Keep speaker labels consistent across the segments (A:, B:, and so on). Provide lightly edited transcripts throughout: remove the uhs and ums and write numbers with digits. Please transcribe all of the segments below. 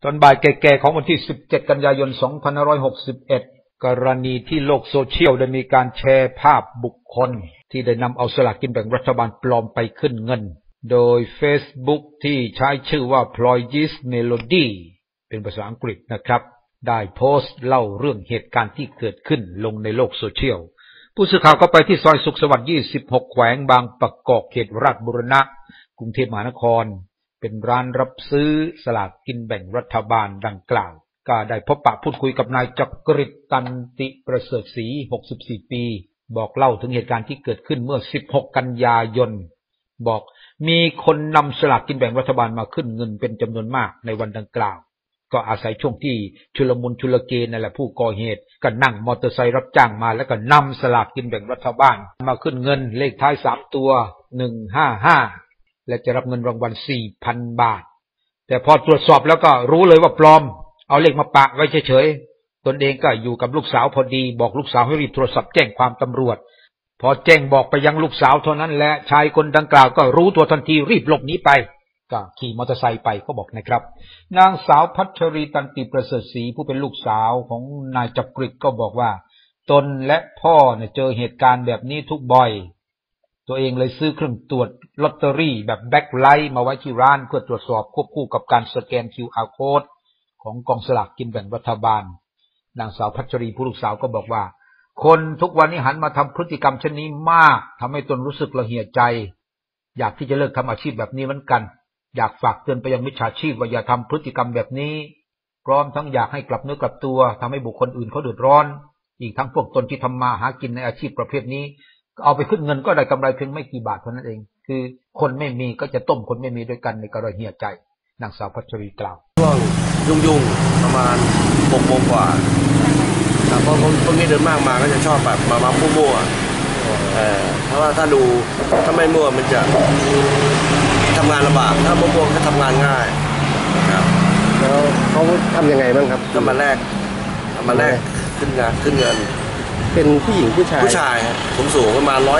A: ตอนบ่ายแก่ๆของวันที่17กันยายน2561กรณีที่โลกโซเชียลได้มีการแชร์ภาพบุคคลที่ได้นำเอาสลากกินแบ่งรัฐบาลปลอมไปขึ้นเงินโดย Facebook ที่ใช้ชื่อว่า Ployes Melody เป็นภาษาอังกฤษนะครับได้โพสต์เล่าเรื่องเหตุการณ์ที่เกิดขึ้นลงในโลกโซเชียลผู้สื่อข่าวก็ไปที่ซอยสุขสวัสดิ์26แขวงบางประกอบเขตราชบุรณะกรุงเทพมหานครเป็นร้านรับซื้อสลากกินแบ่งรัฐบาลดังกล่าวก็ได้พบปะพูดคุยกับนายจักริดตันติประเสริฐศรี64ปีบอกเล่าถึงเหตุการณ์ที่เกิดขึ้นเมื่อ16กันยายนบอกมีคนนำสลากกินแบ่งรัฐบาลมาขึ้นเงินเป็นจำนวนมากในวันดังกล่าวก็อาศัยช่วงที่ชุลมุนชุลเกนั่นแหละผู้ก่อเหตุก็นั่งมอเตอร์ไซค์รับจ้างมาแล้วก็นำสลากกินแบ่งรัฐบาลมาขึ้นเงินเลขท้าย3ตัว155และจะรับเงินรางวัล 4,000 บาทแต่พอตรวจสอบแล้วก็รู้เลยว่าปลอมเอาเลขมาปะไว้เฉยๆตนเองก็อยู่กับลูกสาวพอดีบอกลูกสาวให้รีบโทรศัพท์แจ้งความตำรวจพอแจ้งบอกไปยังลูกสาวเท่านั้นแหละชายคนดังกล่าวก็รู้ตัวทันทีรีบหลบหนีไปก็ขี่มอเตอร์ไซค์ไปเขาบอกนะครับนางสาวพัชรีตันติประเสริฐศรีผู้เป็นลูกสาวของนายจักริดก็บอกว่าตนและพ่อเนี่ยเจอเหตุการณ์แบบนี้ทุกบ่อยตัวเองเลยซื้อเครื่องตรวจลอตเตอรี่แบบแบ็คไลท์มาไว้ที่ร้านเพื่อตรวจสอบควบคู่กับการสแกน QR Code ของกองสลากกินแบ่งรัฐบาลนางสาวพัชรีผู้ลูกสาวก็บอกว่าคนทุกวันนี้หันมาทำพฤติกรรมเช่นนี้มากทำให้ตนรู้สึกระเหี่ยใจอยากที่จะเลิกทำอาชีพแบบนี้เหมือนกันอยากฝากเตือนไปยังมิจฉาชีพว่าอย่าทำพฤติกรรมแบบนี้พร้อมทั้งอยากให้กลับเนื้อกลับตัวทำให้บุคคลอื่นเขาเดือดร้อนอีกทั้งพวกตนที่ทำมาหากินในอาชีพประเภทนี้เอาไปขึ้นเงินก็ได้กำไรเพียงไม่กี่บาทเท่านั้นเองคือคนไม่มีก็จะต้มคนไม่มีด้วยกันในกระเหี่ยใจนางสาวพัชรีกล่าว
B: ช่วงยุ่งประมาณ6 โมงกว่าเพราะพวกนี้เดินมากมาก็จะชอบแบบมามั่วเพราะว่าถ้าไม่มั่วมันจะทำงานลำบากถ้ามั่วก็ทำงานง่ายครับ
C: แล้วเขาทำยังไงบ้างครับ
B: ทำมาแรกขึ้นเงิน
C: เป็นผู้หญิงผู้ชาย
B: สูงประมาณ175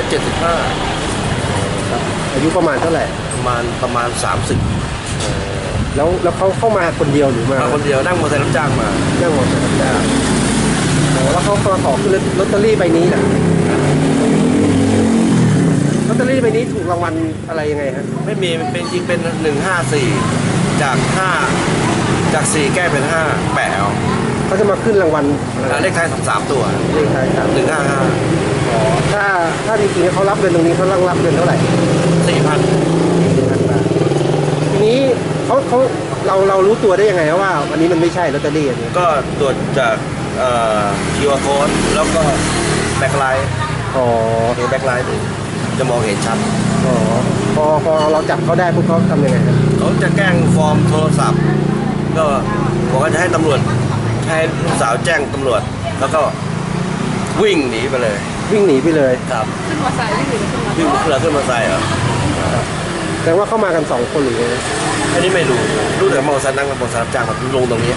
C: อายุประมาณเท่าไหร่
B: ประมาณ30
C: แล้วเขาเข้ามาคนเดียวหรือมา
B: คนเดียวนั่งมอเตอร์ไซค์รับจ้างมา
C: นั่งมอเตอร์ไซค์รับจ้างแล้วเขามาขอขึ้นลอตเตอรี่ใบนี้นะลอตเตอรี่ใบนี้ถูกรางวัลอะไรยังไงฮะ
B: ไม่มีเป็นจริงเป็น154จาก4แก้เป็น5แปะ
C: เขาจะมาขึ้นรางวัล
B: เลขท้าย3ตัว
C: เลขท้าย155อ๋อถ้าจริงๆเขารับเงินตรงนี้เขารับเงินเท่าไหร่
B: 4,000
C: บาททีนี้เรารู้ตัวได้ยังไงว่าวันนี้มันไม่ใช่ลอตเตอรี่อันนี้
B: ก็ตรวจจากQR Code แล้วก็แบ็คไลท์ดูแบ็คไลท์จะมองเห็นชัด
C: พอเราจับเขาได้พวกเขาทำยังไง
B: เขาจะแกล้งฟอร์มโทรศัพท์ก็บอกว่าจะให้ตำรวจให้ลูกสาวแจ้งตำรวจแล้วก็วิ่งหนีไปเลยครับ
D: ขึ้นมอเตอร์ไซค์วิ่ง
B: ขึ้นมอเตอร์ไซค์เหรอ
C: แต่ว่าเข้ามากัน2 คนหรือไง
B: อันนี้ไม่รู้แต่มอเตอร์ไซค์นั่งกับมอเตอร์ไซค์รับจ้างแบบลงตรงนี้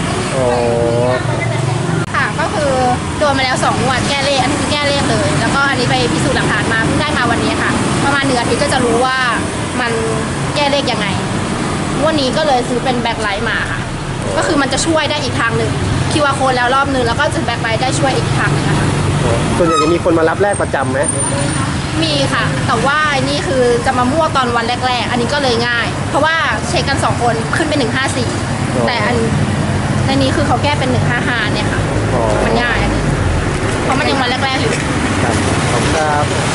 D: ค่ะก็คือโดนมาแล้ว2 งวดแก้เลขอันนี้คือแก้เลขเลยแล้วก็อันนี้ไปพิสูจน์หลักฐานมาเพิ่งได้มาวันนี้ค่ะประมาณ1 อาทิตย์ก็จะรู้ว่ามันแก้เลขยังไงวันนี้ก็เลยซื้อเป็นแบ็คไลท์มาค่ะก็คือมันจะช่วยได้อีกทางหนึ่งQR Codeแล้วรอบนึงแล้วก็จะแบ็คไลท์ได้ช่วยอีกทางนึงนะคะ
C: ส่วนใหญ่จะมีคนมารับแลกประจำไหม
D: มีค่ะแต่ว่านี่คือจะมามั่วตอนวันแรกๆอันนี้ก็เลยง่ายเพราะว่าเช็คกัน2 คนขึ้นเป็น154แต่ในนี้คือเขาแก้เป็น155เนี่ยค่ะมันง่ายเพราะมันยังวันแรกๆอยู่
C: ครับ